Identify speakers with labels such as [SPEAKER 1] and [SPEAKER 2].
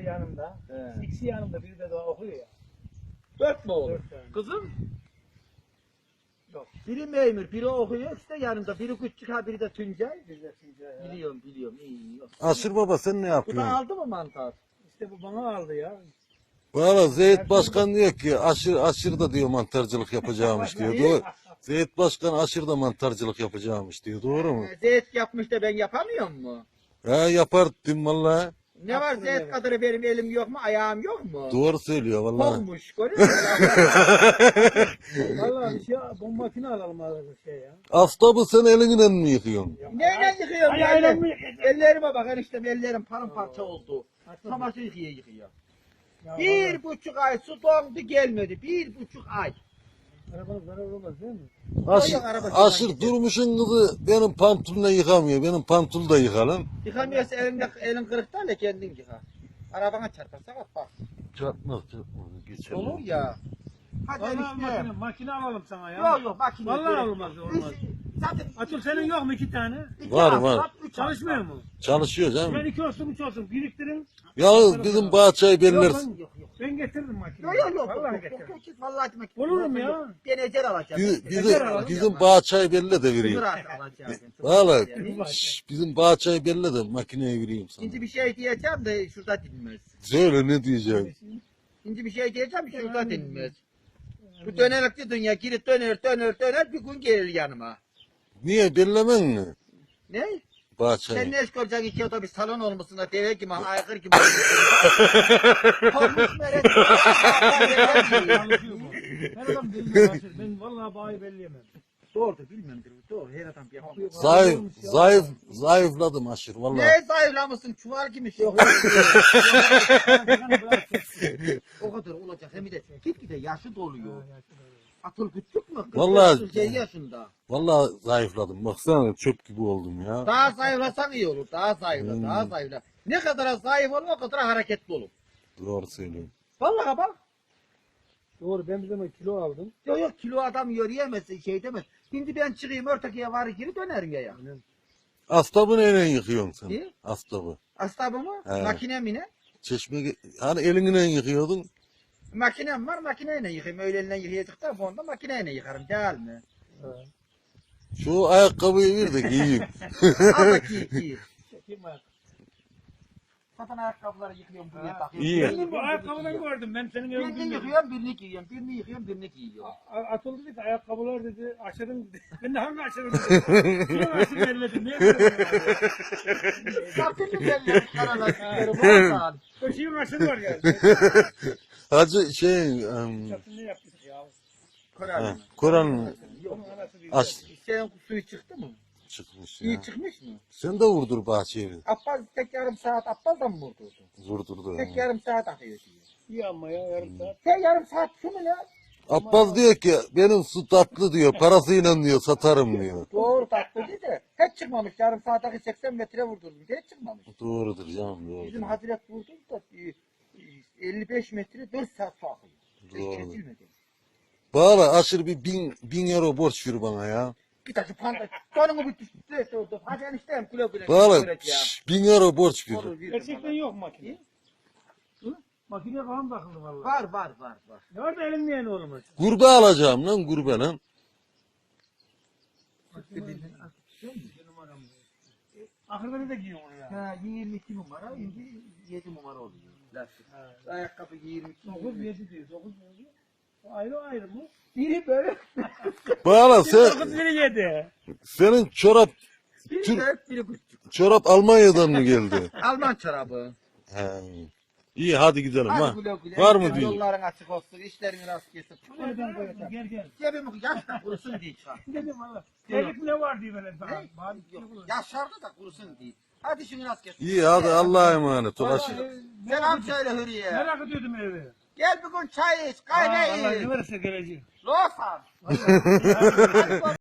[SPEAKER 1] yanımda.
[SPEAKER 2] He.
[SPEAKER 1] İkisi yanımda, biri de daha okuyor ya.
[SPEAKER 2] 4 mü oğlum?
[SPEAKER 1] 4 tane.
[SPEAKER 2] Kızım?
[SPEAKER 1] Yok.
[SPEAKER 2] Biri memur, biri okuyor işte yanımda. Biri küçük ha, biri de Tuncay.
[SPEAKER 1] Bir de Tuncay ya.
[SPEAKER 2] Biliyorum, iyi. Yok.
[SPEAKER 3] Aşır baba sen ne
[SPEAKER 2] Bu da
[SPEAKER 3] yapıyorsun?
[SPEAKER 2] aldı mı mantar?
[SPEAKER 1] İşte bu bana aldı ya.
[SPEAKER 3] Valla Zeyt Başkan diyor ki aşır da diyor mantarcılık yapacağımış diyor. Doğru. Zeyt Başkan aşır da mantarcılık yapacağımış diyor. Doğru mu?
[SPEAKER 2] Zeyt yapmış da ben yapamıyor mu?
[SPEAKER 3] He yapar dedim valla.
[SPEAKER 2] Ne var Zeyt kadar benim elim yok mu, ayağım yok mu?
[SPEAKER 3] Doğru söylüyor valla.
[SPEAKER 2] Kokmuş, görüyor musun?
[SPEAKER 1] Vallahi bir şey, bu makine alalım abi şey ya.
[SPEAKER 3] Astabı sen elinden mi yıkıyorsun?
[SPEAKER 2] Neyle yıkıyorum?
[SPEAKER 1] Ayağıyla mı yıkayacağım?
[SPEAKER 2] Ellerime bak eniştem, ellerim paramparça oldu. Çamaşır yıkıyor.
[SPEAKER 1] Ya
[SPEAKER 2] 1,5 ay su dondu gelmedi. 1,5 ay.
[SPEAKER 1] Arabanın zarar olmaz değil mi?
[SPEAKER 3] Aşır durmuşun kızı benim pantolonla yıkamıyor. Benim pantolu da yıkalım.
[SPEAKER 2] Yıkamıyorsa elin kırıkta da kendin yıka. Arabana çarparsa bak.
[SPEAKER 3] Çatmaz. Geçelim.
[SPEAKER 2] Olur ya. Hadi
[SPEAKER 1] Vallahi
[SPEAKER 2] eniştem.
[SPEAKER 1] makine alalım sana ya.
[SPEAKER 2] Yok makine.
[SPEAKER 1] Vallahi
[SPEAKER 2] gerek
[SPEAKER 1] olmaz,
[SPEAKER 2] yok.
[SPEAKER 1] olmaz.
[SPEAKER 2] Zaten
[SPEAKER 1] Atıl senin yok mu 2 tane?
[SPEAKER 2] iki
[SPEAKER 3] Var,
[SPEAKER 2] hafta,
[SPEAKER 3] var.
[SPEAKER 2] 3
[SPEAKER 1] Çalışmıyor
[SPEAKER 2] hafta.
[SPEAKER 1] mu?
[SPEAKER 3] Çalışıyor
[SPEAKER 1] Ben
[SPEAKER 3] canım.
[SPEAKER 1] 2 olsun 3 olsun biriktirin.
[SPEAKER 3] Ya bizim bahçeyi belirler.
[SPEAKER 2] Yok.
[SPEAKER 1] Ben getiririm makineyi.
[SPEAKER 2] Yok.
[SPEAKER 1] Vallahi getiririm.
[SPEAKER 2] Vallahi makine.
[SPEAKER 1] Olurum ya.
[SPEAKER 2] Ben ecel alacağım.
[SPEAKER 3] Bizim bahçeyi belli de vereyim.
[SPEAKER 2] Kıvırak alacağım.
[SPEAKER 3] Valla
[SPEAKER 2] Yani.
[SPEAKER 3] bizim bahçeyi belli de makineye vereyim sana.
[SPEAKER 2] Şimdi bir şey diyeceğim de şurada dinmez.
[SPEAKER 3] Söyle ne diyeceğim.
[SPEAKER 2] Şimdi bir şey diyeceğim şurada dinmez. Bu dönerlikli dünya girip döner bir gün gelir yanıma.
[SPEAKER 3] Niye bellemen mi?
[SPEAKER 2] Ne? Sen
[SPEAKER 3] Bahçeyi.
[SPEAKER 2] ne iş göreceksin iki otobüs salon olmasın da deve gibi aykır gibi. Korkmuş meret.
[SPEAKER 1] Çalışıyor bu. Her adam bilmiyor. Ben vallahi bayi belleyemem.
[SPEAKER 2] Doğrudur bilmiyorum. Doğru her adam yapıyor.
[SPEAKER 3] Zayıfladım aşır valla.
[SPEAKER 2] Ne zayıflamışsın çuval gibi şey. O kadar olacak hem de gitgide yaşı doluyor. Atıl küçük mü?
[SPEAKER 3] Vallahi-
[SPEAKER 2] 47 yaşında.
[SPEAKER 3] Valla zayıfladım. Baksana çöp gibi oldum ya.
[SPEAKER 2] Daha zayıflasan iyi olur. Daha zayıfla. Ne kadar zayıf olur o kadar hareketli olur.
[SPEAKER 3] Doğru söylüyorum.
[SPEAKER 2] Vallahi bak.
[SPEAKER 1] Doğru ben bir zaman kilo aldım.
[SPEAKER 2] Yok kilo adam yürüyemez şey demez. Şimdi ben çıkayım örtekiye var geri dönerim ya.
[SPEAKER 3] Astabı neyle yıkıyorsun sen?
[SPEAKER 2] Ne?
[SPEAKER 3] Astabı.
[SPEAKER 2] Astabı mı?
[SPEAKER 3] He.
[SPEAKER 2] Makine mi ne?
[SPEAKER 3] Çeşme hani elinle yıkıyordun.
[SPEAKER 2] Makinem var makineyle yıkayım. Öyle elinden yıkayacaktan sonra makineyle yıkarım değil mi?
[SPEAKER 3] Şu ayakkabıyı ver de giyeyim.
[SPEAKER 2] Al da giy.
[SPEAKER 1] Çekeyim ayak.
[SPEAKER 2] Zaten ayakkabıları yıkıyorum buraya takıyorum.
[SPEAKER 3] İyi.
[SPEAKER 1] Ben bu ayakkabıdan gördüm. Ben senin evin
[SPEAKER 2] Birini
[SPEAKER 1] bilmiyorum.
[SPEAKER 2] yıkıyorum birini giyiyorum. Birini yıkıyorum birini giyiyorum.
[SPEAKER 1] Atıl dedi ki ayakkabılar dedi aşırın dedi. Ben de hangi aşırın dedi. Şuna aşırı belledim. Niye böyle?
[SPEAKER 2] Zaten mi belli karalar oradan.
[SPEAKER 1] Köşeğin aşırı var yani.
[SPEAKER 3] Hacı
[SPEAKER 1] Çatını ne yaptık ya?
[SPEAKER 3] Kur'an
[SPEAKER 2] Yok.
[SPEAKER 1] Onun anası değil.
[SPEAKER 3] aç
[SPEAKER 2] Senin suyu çıktı mı?
[SPEAKER 3] çıkmış
[SPEAKER 2] İyi
[SPEAKER 3] ya.
[SPEAKER 2] çıkmış mı?
[SPEAKER 3] Sen de vurdur bahçeyi.
[SPEAKER 2] Abbas tek yarım saat Abbas da mı vurdurdu?
[SPEAKER 3] Vurdurdu.
[SPEAKER 2] Tek yarım saat akıyor diyor.
[SPEAKER 1] İyi ama ya yarım saat.
[SPEAKER 2] Tek yarım saat şu mu ya?
[SPEAKER 3] Abbas diyor ki benim su tatlı diyor. Parasıyla diyor satarım diyor.
[SPEAKER 2] Doğru tatlı değil de hiç çıkmamış. Yarım saate 80 metre vurdurdum. Hiç çıkmamış.
[SPEAKER 3] Doğrudur canım doğrudur.
[SPEAKER 2] Bizim Hazret vurdu da 55 metre 4 saat su akıyor. Hiç
[SPEAKER 3] Doğru.
[SPEAKER 2] kesilmedi.
[SPEAKER 3] Bağla aşırı bir bin euro borç ver bana ya.
[SPEAKER 2] Git açıp panda. Donumu bitti. Hadi eniştem güle güle.
[SPEAKER 3] Bağla
[SPEAKER 2] Güle güle ya.
[SPEAKER 3] 1000 euro borç ver.
[SPEAKER 2] Olur, veririm
[SPEAKER 1] Gerçekten
[SPEAKER 2] bana.
[SPEAKER 1] yok makine. Makine falan takıldı vallahi.
[SPEAKER 2] Var.
[SPEAKER 1] Ne var da elinleyen oğlum?
[SPEAKER 3] Gurbe alacağım lan gurbe lan.
[SPEAKER 1] Ahırda ne de giyiyor onu ya?
[SPEAKER 2] Ha, 22 numara, şimdi 7 numara oluyor. Lastik. Ayakkabı 22
[SPEAKER 1] 9
[SPEAKER 2] numara.
[SPEAKER 1] 7 diyor. 9 7. Ayrı mı?
[SPEAKER 2] Biri böyle,
[SPEAKER 3] Bağla
[SPEAKER 1] 9 biri 7.
[SPEAKER 3] senin çorap
[SPEAKER 2] biri
[SPEAKER 3] Tür-
[SPEAKER 2] büyük, biri küçük.
[SPEAKER 3] çorap Almanya'dan mı geldi?
[SPEAKER 2] Alman çorabı.
[SPEAKER 3] He. İyi hadi gidelim ha.
[SPEAKER 2] Hadi güle güle.
[SPEAKER 3] Var mı diyor?
[SPEAKER 2] Yolların açık olsun, işlerin rast gelsin.
[SPEAKER 1] Gel.
[SPEAKER 2] Cebimi yaşla kurusun diye çıkar.
[SPEAKER 1] Dedim valla. Terlik ne var diye böyle.
[SPEAKER 2] Ne? Yok, yaşardı da kurusun diye. Hadi şunu rast gelsin.
[SPEAKER 3] İyi hadi Allah'a emanet ol.
[SPEAKER 2] Selam söyle Hürriye.
[SPEAKER 1] Merak ediyordum evi.
[SPEAKER 2] Gel bir gün çay iç, kahve
[SPEAKER 1] Allah
[SPEAKER 2] iç.
[SPEAKER 1] ne verirse geleceğim.
[SPEAKER 2] Losan. Hadi